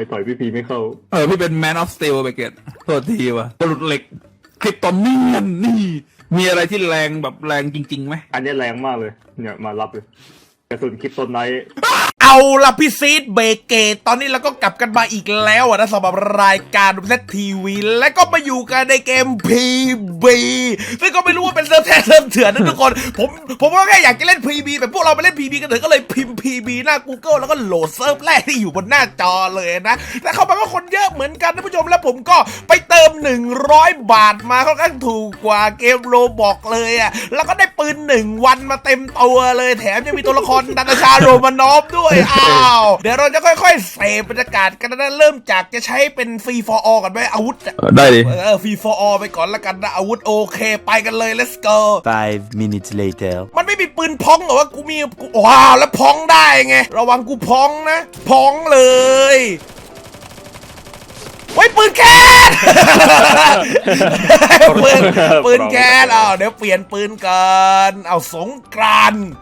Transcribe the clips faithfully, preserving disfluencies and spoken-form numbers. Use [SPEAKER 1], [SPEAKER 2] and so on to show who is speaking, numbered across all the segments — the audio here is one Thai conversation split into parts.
[SPEAKER 1] ไม่ต่อยพี่พีไม่เข้า
[SPEAKER 2] เออพี่เป็น Man of Steel ไปเกตโทษทีว่ะบรุษเหล็กคริปโตเนียนนี่มีอะไรที่แรงแบบแรงจริงๆไหม
[SPEAKER 1] อันนี้แรงมากเลยเนี่ยมารับเลยกระสุนคริปโตไนท์
[SPEAKER 3] เอาละพี่ซีดเบเกตตอนนี้เราก็กลับกันมาอีกแล้วนะสำหรับรายการดูเซตทีวีและก็มาอยู่กันในเกม พี บี ซึ่งก็ไม่รู้ว่าเป็นเซิร์ฟแท้เซิร์ฟเถื่อนนะทุกคนผมผมก็แค่อยากจะเล่น พี บี แบบพวกเราไปเล่น พี บี กันเถอะก็เลยพิมพ์ พี บี หน้า Google แล้วก็โหลดเซิร์ฟแรกที่อยู่บนหน้าจอเลยนะแต่เข้ามาก็คนเยอะเหมือนกันท่านผู้ชมแล้วผมก็ไปเติมหนึ่งร้อยบาทมาค่อนข้างถูกกว่าเกมโรบอกเลยอ่ะแล้วก็ได้ปืนหนึ่งวันมาเต็มตัวเลยแถมยังมีตัวละครนาตาชาโรมานอฟด้วยอ้าวเดี๋ยวเราจะค่อยๆเสพบรรยากาศกันนะเริ่มจากจะใช้เป็นฟรี for all กันไหมอาวุธ
[SPEAKER 2] ได้ดิ
[SPEAKER 3] เออฟรี for all ไปก่อนละกันนะอาวุธโอเคไปกันเลย let's go
[SPEAKER 4] five minutes later
[SPEAKER 3] มันไม่มีปืนพองหรอวะกูมีกูว้าวแล้วพองได้ไงระวังกูพองนะพองเลยไว้ปืนแก๊สปืนปืนแก๊สอ้าวเดี๋ยวเปลี่ยนปืนกันเอาสงกรานต์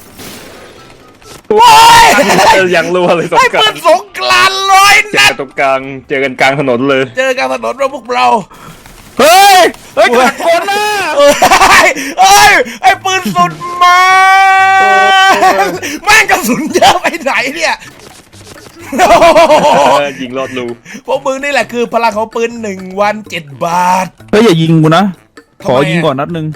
[SPEAKER 3] ว้าย
[SPEAKER 1] ยังรัวเลยสง
[SPEAKER 3] ไอ้
[SPEAKER 1] กรา
[SPEAKER 3] ปื
[SPEAKER 1] น
[SPEAKER 3] นสงกรานต์ร้อยนัด
[SPEAKER 1] ตรงกลางเจอกันกลางถนนเลย
[SPEAKER 3] เจอกันถนนเราพวกเรา
[SPEAKER 2] เฮ้ยเฮ้ยขัดคนนะ
[SPEAKER 3] เอ้ยเอ้ยไอ้ปืนสุดมาแม่งกระสุนเยอะไปไหนเนี่ย
[SPEAKER 1] ยิงลอดรู
[SPEAKER 3] พวกมึงนี่แหละคือพลังของปืนหนึ่งวันเจ็ดบาท
[SPEAKER 2] เฮ้ยอย่ายิงกูนะขอยิงก่อนนัดนึง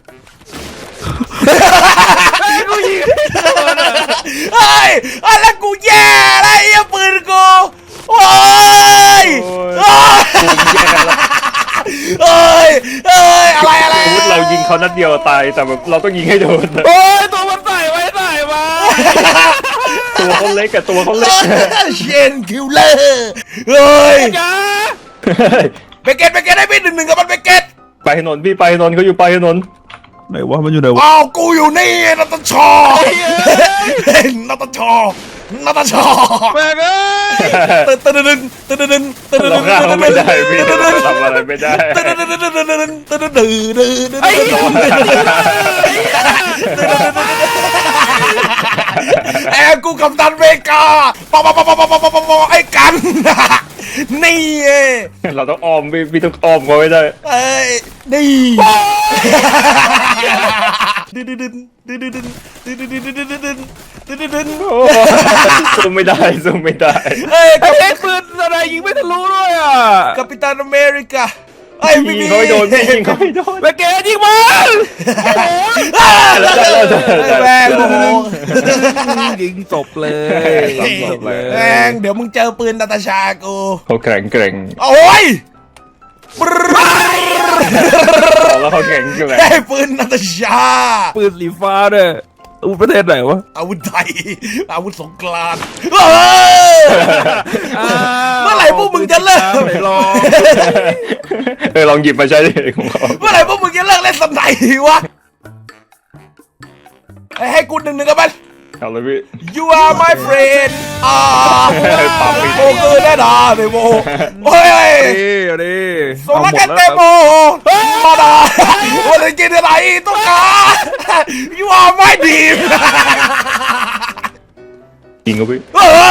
[SPEAKER 3] กูยิงเฮ้ยอะไรกูแย่อะไรไอ้ปืนกูโอ้ยเอ้ยเอ้ยอะไรอะไร
[SPEAKER 1] เรายิงเขานัดเดียวตายแต่แบบเราต้องยิงให้โดน
[SPEAKER 2] โอ้ยตัวมันใส่ไว้ใส่มา
[SPEAKER 1] ตัวเขาเล็กกับตัวเขาเล็ก
[SPEAKER 3] เชนคิวเลอร์เฮ้ย
[SPEAKER 2] จ้า
[SPEAKER 3] เบเกตเบเกตได้พี่หนึ่งหนึ่งกับมันเบเกต
[SPEAKER 1] ไปถนนพี่ไปถนนเขาอยู่ไปถนน
[SPEAKER 2] ไหนวะมันอยู่ไหนวะ
[SPEAKER 3] อ้าวกูอยู่นี่นัตชอนัตชอนัตชอ
[SPEAKER 2] แม่งเอ้
[SPEAKER 3] ยตึ๊ดตึ๊ดตึ๊ดตึ๊ดตึ๊ดตึ๊ดตึ๊ดตึ๊ด
[SPEAKER 1] ตึ๊ดไม่ได้พี่ทำอะไรไม่ได้
[SPEAKER 3] ตึ๊ดตึ๊ดตึ๊ดตึ๊ดตึ๊ดตึ๊ดตึ๊ดตึ๊ดตึ๊ด
[SPEAKER 2] ไอ้
[SPEAKER 3] ไอ้กูกัปตันเมกาปะปะปะปะปะปะปะปะไอ้กันนี่
[SPEAKER 1] เราต้องอ้อมพี่พี่ต้องอ้อมเขาไม่ได้
[SPEAKER 3] ไอ้นี่ดึนดึนดึนดึนดึนดึนดึนดึนดึนดึนดึนดึนดึนดึนดึน
[SPEAKER 1] สู้ไม่ได้สู้ไม่ได้
[SPEAKER 3] เอ้ย
[SPEAKER 2] ไอ้ปืนอะไรยิงไม่ทะลุด้วยอ่ะ
[SPEAKER 3] กัปตันอเมริกาไอ้พี่
[SPEAKER 1] ยิงเขาไม่โดนยิงเขาไม่โดน
[SPEAKER 2] เบเกตยิงมัน
[SPEAKER 3] แม่งโอ้โห
[SPEAKER 2] ยิงจบเลยจบเลย
[SPEAKER 3] แม่งเดี๋ยวมึงเจอปืนนาตาชากู
[SPEAKER 1] เขาแข็งแกร่ง
[SPEAKER 3] โอ้ย
[SPEAKER 1] แล้วเขาแข็งแกร่ง
[SPEAKER 3] ไอ้ปืนนาตาชา
[SPEAKER 2] ปืนสีฟ้าเนี่ยอาวุธประเทศไหนวะ
[SPEAKER 3] อาวุธไทยอาวุธสงกรานต์เมื่อไหร่พวกมึงจะเลิก
[SPEAKER 2] ลอง
[SPEAKER 1] เออลองหยิบมาใช้ดิของเขา
[SPEAKER 3] เมื่อไหร่พวกมึงจะเลิกเล่นสไนวะให้กูหนึ่งหนึ่งกับมัน
[SPEAKER 1] เอาเลยพี่
[SPEAKER 3] You are my friend อ่าโอ้คือแน่นอนเลยโมโอ้ย
[SPEAKER 2] เอาดิ
[SPEAKER 3] โซลักกันเตโมมาดาวันนี้กินอะไรต้องการ You are my team
[SPEAKER 1] จริงครับพี่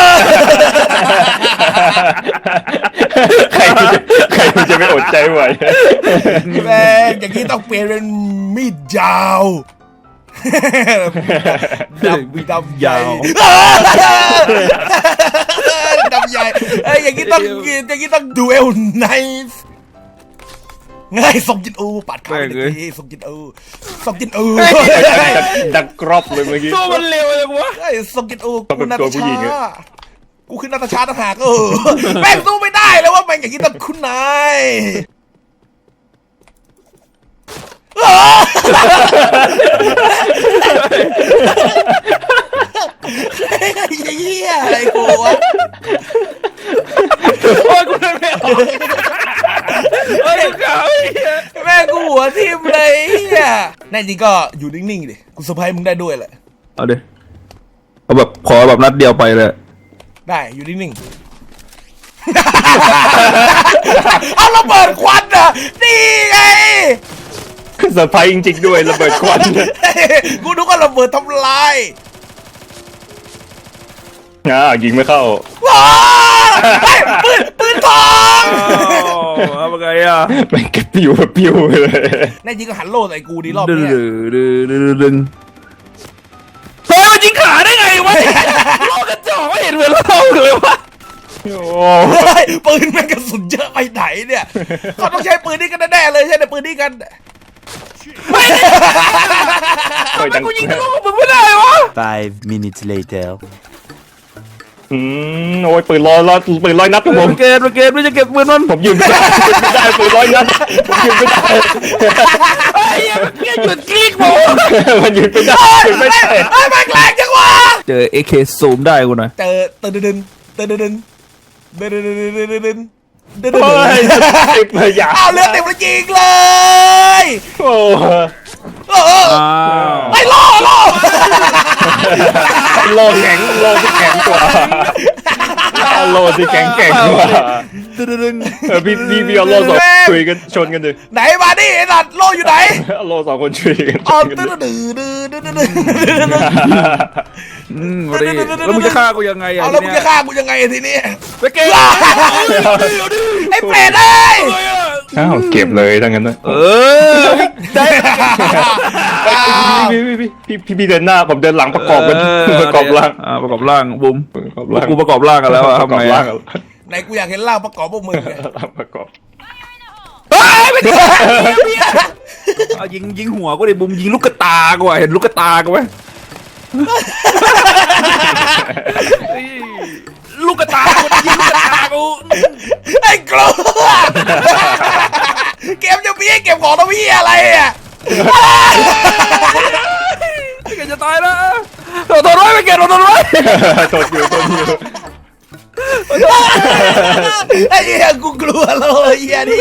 [SPEAKER 1] ใครจะใครจะไม่อดใจไหว
[SPEAKER 3] แม่อย่างนี้ต้องเปลี่ยนเป็นมีดยาวดำดำยาวดำใหญ่ไอ้อย่างนี้ต้องอย่างนี้ต้องดูเอลไนฟ์ง่ายส่งจินอูปัดขาไปทีส่งจินอูส่งจินอู
[SPEAKER 1] ดังกรอบเลยเมื่อกี้
[SPEAKER 2] ตัวมันเร็วเลยวะ
[SPEAKER 3] ไอ้ส่งจินอูกูนาตาชากูคือนาตาชาต่างหากเออแม่งสู้ไม่ได้แล้วว่าแม่งอย่างนี้ต้องคุณนายเฮียอะไรกูวะ
[SPEAKER 2] โอ้ยกูไม่ออกเฮ้ยเขา
[SPEAKER 3] แม่กูหัวทิ่มเลยเฮียแน่จริงก็อยู่นิ่งๆดิกูเซอร์ไพรส์มึงได้ด้วยแหละ
[SPEAKER 2] เอาดิเอาแบบขอแบบนัดเดียวไปเลย
[SPEAKER 3] ได้อยู่นิ่งๆเอาระเบิดควันอ่ะนี่ไง
[SPEAKER 1] เซอร์ไพรส์จริงๆด้วยระเบิดควัน
[SPEAKER 3] กูนึกว่าระเบิดทำลาย
[SPEAKER 1] อ่ายิงไม่เข้า
[SPEAKER 3] ว้าเฮ้ยปืนปืนทอง
[SPEAKER 2] เอาไงอ่ะ
[SPEAKER 1] แม่งกระปิวกระปิวเลย
[SPEAKER 3] แน่จริงก็หันโล่ใส่กูดีรอบ
[SPEAKER 2] ดึง
[SPEAKER 3] เนี้ย
[SPEAKER 2] ดึงดึงดึงดึงเฮ้ยมันยิงขาได้ไงวะโลกกระจอกไม่เห็นเหมือนเราเลยวะ
[SPEAKER 1] โอ้
[SPEAKER 3] เฮ้ยปืนแม่งกระสุนเยอะไปไหนเนี่ยเขาต้องใช้ปืนนี้กันแน่ๆเลยใช่ไหมปืนนี้กัน
[SPEAKER 1] ยดัง
[SPEAKER 2] กูยิงทะลุกับมึงไม่ได้วะ
[SPEAKER 4] Five minutes later.
[SPEAKER 1] อืมโอ้ยปืนลอยลอยปืนลอยนัดครับผม
[SPEAKER 2] เกตเกตไม่จะเก็บปืนมัน
[SPEAKER 1] ผมยืนไม่ได้ไม่ได้ปืนลอยนัดผมยืนไม่ได้
[SPEAKER 2] ไอ้ยังหยุดคลิกผม
[SPEAKER 1] มันยืนไม่ได้ยืนไม่ได้
[SPEAKER 3] เฮ้ยแม่งแรงจังวะ
[SPEAKER 2] เจอเอเคซูมได้กูหน่อย
[SPEAKER 3] เจอเตือนเดินเตือนเดินเดินเดินเดินเดินเดินเดินเดินเดิน
[SPEAKER 1] โอ้ยติดเลยอย่า
[SPEAKER 3] เอาเลือดเต็มแล้วยิงเลย
[SPEAKER 1] โอ้
[SPEAKER 3] เออ
[SPEAKER 2] อ้าว
[SPEAKER 3] ไอ้ล่อล่อ
[SPEAKER 1] โลแข็งโลที่แข็งกว่าโลที่แข็งแกร่งกว่า
[SPEAKER 2] ดึงดึง
[SPEAKER 1] เออพี่พี่พี่เอาโลสองคุยกันชนกันดิ
[SPEAKER 3] ไหนมาดิไอ้สัตว์ล่ออยู่ไหน
[SPEAKER 1] เอาโลสองคนช่วยกันช
[SPEAKER 3] อ๋อน
[SPEAKER 1] กัน
[SPEAKER 3] ตื้อ
[SPEAKER 1] ดิ
[SPEAKER 3] ดื้อดื้อดื้อดื้อดื้อ
[SPEAKER 2] อืมมาดิแล้วมึงจะฆ่ากูยังไงอ่ะ
[SPEAKER 3] เอาแล้วมึงจะฆ่ากูยังไงทีนี้
[SPEAKER 2] ไปเกต
[SPEAKER 3] ไอ้เปรตเอ้ย
[SPEAKER 1] อ้าวเก็บเลยทั้งนั้นนะ
[SPEAKER 2] เออได้
[SPEAKER 1] พี่พี่พี่พี่พี่เดินหน้าผมเดินหลังประกอบกันประกอบร่าง
[SPEAKER 2] อ่าประกอบร่างบุ้ม
[SPEAKER 1] ประกอบร่าง
[SPEAKER 2] กูประกอบร่างกันแล้วอะ
[SPEAKER 1] ประก
[SPEAKER 2] ทำ
[SPEAKER 1] อบ
[SPEAKER 2] ไง
[SPEAKER 1] ร่า
[SPEAKER 2] อะ
[SPEAKER 1] ง
[SPEAKER 3] ไหนกูอยากเห็นร่างประกอบพวกมึงเนี่ย
[SPEAKER 1] ร่างประกอบ
[SPEAKER 2] เฮ้ยไม่ได้เอายิงยิงหัวกูดิบุ้มยิงลูกกระตากูอะเห็นลูกกระตากูไหมลูกกระตากูยิงลูกกระตากู
[SPEAKER 3] ไอ้กลัวเก็บจะมีให้เก็บของทำพี่อะไรอ่ะ
[SPEAKER 2] เกจะตายแล้วโดนโดนร้อยไปเกตโดนโดนร้อย
[SPEAKER 1] โทษอยู่โทษอยู่
[SPEAKER 3] ไอ้เหี้ยกูกลัวเลยเหี้ยนี่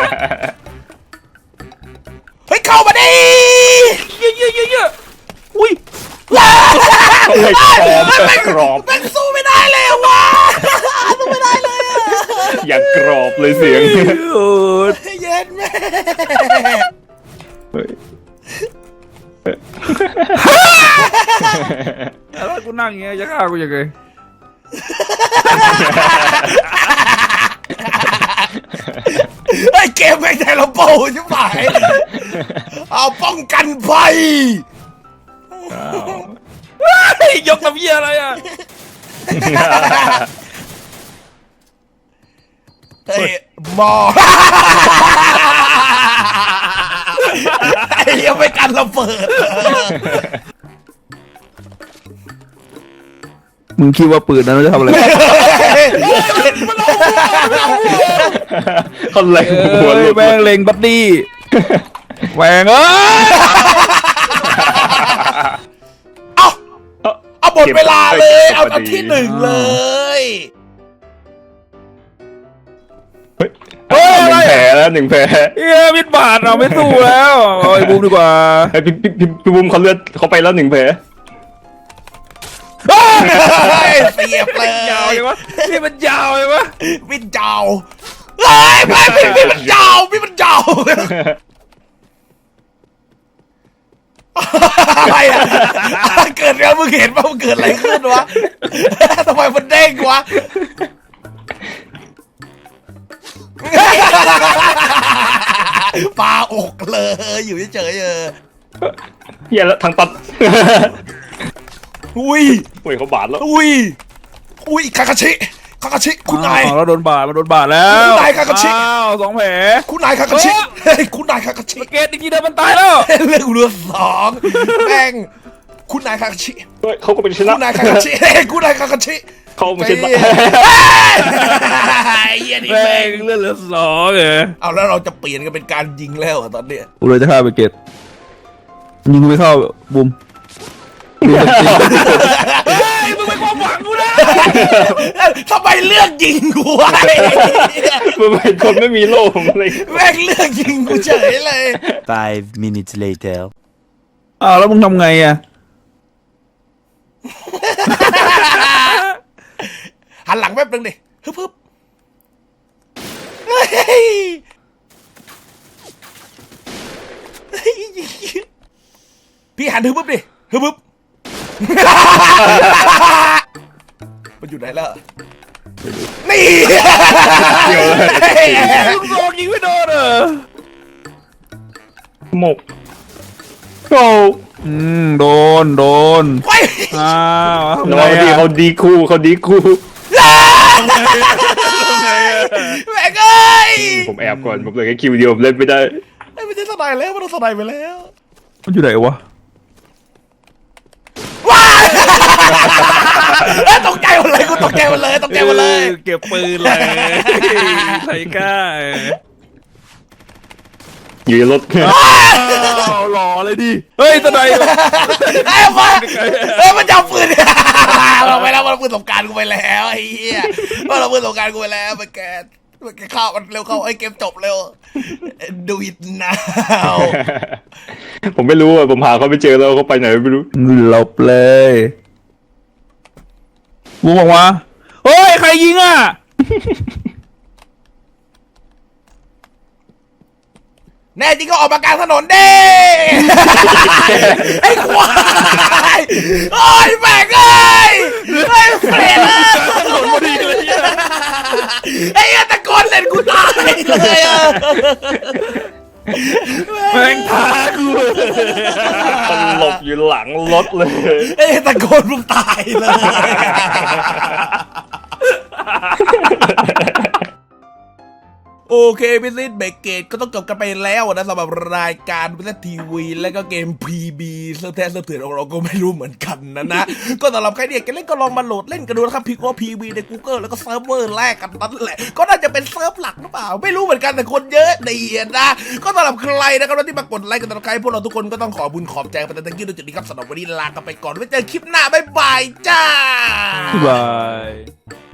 [SPEAKER 3] เฮ้ยเข้ามาดิ
[SPEAKER 2] เยอะเยอะเยอะเยอะอุ้ย
[SPEAKER 1] ไม่กรอบไม่กรอบ
[SPEAKER 3] แม่งสู้ไม่ได้เลยอะวะสู้ไม่ได้เลยอะ
[SPEAKER 1] อย่างกรอบเลยเสียง
[SPEAKER 2] โอ้ย
[SPEAKER 3] เย็นแม่
[SPEAKER 1] เฮ้ย
[SPEAKER 2] แล้วกูนั่งอย่างเงี้ยจะฆ่ากูยังไง
[SPEAKER 3] ไอ้เกมแม่งไทยเราโป้ใช่ไหมเอาป้องกันภัย
[SPEAKER 2] ยกน้ำเยี่ยอะไรอ่ะ
[SPEAKER 3] เฮ้ยหมอไอ้ยังไม่กันระเบิด
[SPEAKER 2] มึงคิดว่าปืนนั้นมันจะทำอะไร
[SPEAKER 1] เขาแรงหัวหลุด
[SPEAKER 2] แม่งเล็งบัดดี้แหวงเอ้ย
[SPEAKER 3] เอาเอาหมดเวลาเลย เอาเอาที่หนึ่งเลย
[SPEAKER 1] เฮ้ยหนึ่งแผลแล้วหนึ่งแผล
[SPEAKER 2] เฮ้ยมิดบาดเราไม่สู้แล้วเอาไอ้บูมดีกว่า
[SPEAKER 1] ไอ้พี่พี่พี่พี่บุ้มเขาเลือดเขาไปแล้วหนึ่งแผล
[SPEAKER 3] เสียบเลย
[SPEAKER 2] ยาวเลยวะนี่มันยาวเลยวะ
[SPEAKER 3] วิ่งเจ้าเฮ้ยพี่พี่พี่มันเจ้าพี่มันเจ้าอะไรอ่ะเกิดอะไรมึงเห็นป่ะมันเกิดอะไรขึ้นวะทำไมมันเด้งวะปลาอกเลยอยู่เฉยๆเออ
[SPEAKER 1] เฮียแล้วทางตัด
[SPEAKER 3] อุ้ย
[SPEAKER 1] โอ้ยเขาบาดแล้ว
[SPEAKER 3] อุ้ยอุ้ยคาคาชิคาคาชิคุณนาย
[SPEAKER 2] อ้าวแล้วโดนบาดมันโดนบาดแล้ว
[SPEAKER 3] คุณนายคากาชิ
[SPEAKER 2] อ้าวสองแผล
[SPEAKER 3] คุณนายคาคาชิเฮ้ยคุณนายคาคาชิ
[SPEAKER 2] เกตอีกทีเดียวมันตายแล้ว
[SPEAKER 3] เรื่องเรือสองแม่งคุณนายคาคาชิ
[SPEAKER 1] เฮ้ยเขาก็เป็นชนะ
[SPEAKER 3] คุณนายคาคาชิเฮ้ยคุณนายคาคาชิ
[SPEAKER 1] เขาไม่ใช่
[SPEAKER 3] เฮ้ยเหี้ยนี่
[SPEAKER 2] แม่
[SPEAKER 3] แม่
[SPEAKER 2] ง
[SPEAKER 3] ง
[SPEAKER 2] เลือดเหลือสองเหรอ
[SPEAKER 3] เอาแล้วเราจะเปลี่ยนกันเป็นการยิงแล้วเหรอตอนเนี้ย
[SPEAKER 2] กูเลยจะฆ่าไปเกตยิงไม่เข้าบุมเฮ้ยมึงเป็นความหวังกูนะ
[SPEAKER 3] ทำไมเลือกยิงกูวะ
[SPEAKER 1] มันเป็นคนไม่มีโล่ผมเลย
[SPEAKER 3] แม่งเลือกยิงกูเฉยเลย
[SPEAKER 4] Five minutes later.
[SPEAKER 2] อ้าวแล้วมึงทำไงอ่ะ
[SPEAKER 3] หันหลังแป๊บนึงดิฮึบฮึบเฮ้ยพี่หันฮึบฮึบดิฮึบฮึบมันอยู่ไหนล่ะนี่
[SPEAKER 1] เดี๋ยวเลย
[SPEAKER 2] ลูกโซงยิงไม่โดนเหรอ
[SPEAKER 1] หมกโอ้
[SPEAKER 2] อืมโดนโดน
[SPEAKER 3] ไป
[SPEAKER 2] อ้าวทำ
[SPEAKER 1] แล้ว
[SPEAKER 2] ไง
[SPEAKER 1] บางที
[SPEAKER 2] อะ
[SPEAKER 1] เขาดีคู่เขาดีคู่
[SPEAKER 3] แม่งเอ้ย
[SPEAKER 1] ผมแอบก่อนผมเลยแค่คิวเดียวผมเล่นไม่ได้
[SPEAKER 3] ไอ้ไม่ใช่สไนแล้วมันต้องสไนไปแล้ว
[SPEAKER 2] มันอยู่ไหนวะ
[SPEAKER 3] ว้ายเอ้ยตกใจหมดเลยกูตกใจหมดเลยตกใจหมดเลย
[SPEAKER 2] ออเก็บปืนเลยไทก้า
[SPEAKER 1] อยู่ในรถ
[SPEAKER 2] อ้าวหล่อเลยดิเฮ้ยตะได
[SPEAKER 3] ไอ้มาเอ้ยมันจับปืนเราไปแล้วมันเอาปืนสงกรารกูไปแล้วไอ้เหี้ยมันเอาปืนสงกรารกูไปแล้วไปแกมันแกเข้ามันเร็วเข้าไอ้เกมจบเร็วดูอิทนาว
[SPEAKER 1] ผมไม่รู้อ่ะผมหาเขาไม่เจอแล้วเขาไปไหนไม่รู้
[SPEAKER 2] หลบเลยบูมบอกว่าเฮ้ยใครยิงอ่ะ
[SPEAKER 3] แน่จริงก็ออกมากลางถนนเด้ ไอ้ควายโอ้ยแม่งเอ้ยไอ้เฟรน
[SPEAKER 2] ถนนพอดีเลยเนี่ย
[SPEAKER 3] ไอ้ตะโกนเล่นกูตายเลยอะ
[SPEAKER 2] แม่งท้ากู
[SPEAKER 1] มันหลบอยู่หลังรถเลย
[SPEAKER 3] ไอ้ตะโกนมึงตายเลย โอเคพิซซิ่เบรกเกตก็ต้องจบกันไปแล้วนะสำหรับรายการพิซซิ่ทีวีและก็เกม พี บี เซิร์ฟแท้เซิร์ฟเถื่อนของเราก็ไม่รู้เหมือนกันนะนะ ก็สำหรับใครที่อยากจะเล่นก็ลองมาโหลดเล่นกันดูนะครับพิกว่า พี บี ใน Google แล้วก็เซิร์ฟเวอร์แรกกันนั่นแหละก็น่าจะเป็นเซิร์ฟหลักหรือเปล่าไม่รู้เหมือนกันแต่คนเยอะดีนะ ก็สำหรับใครนะครับที่มากดไลค์กันตลอดใครพวกเราทุกคนก็ต้องขอบุญขอบใจไปแต่ตะกี้ด้วยจุดนี้ครับสำหรับวันนี้ลากันไปก่อนไว้เจอคลิปหน้าบ๊ายบายจ้า
[SPEAKER 2] บาย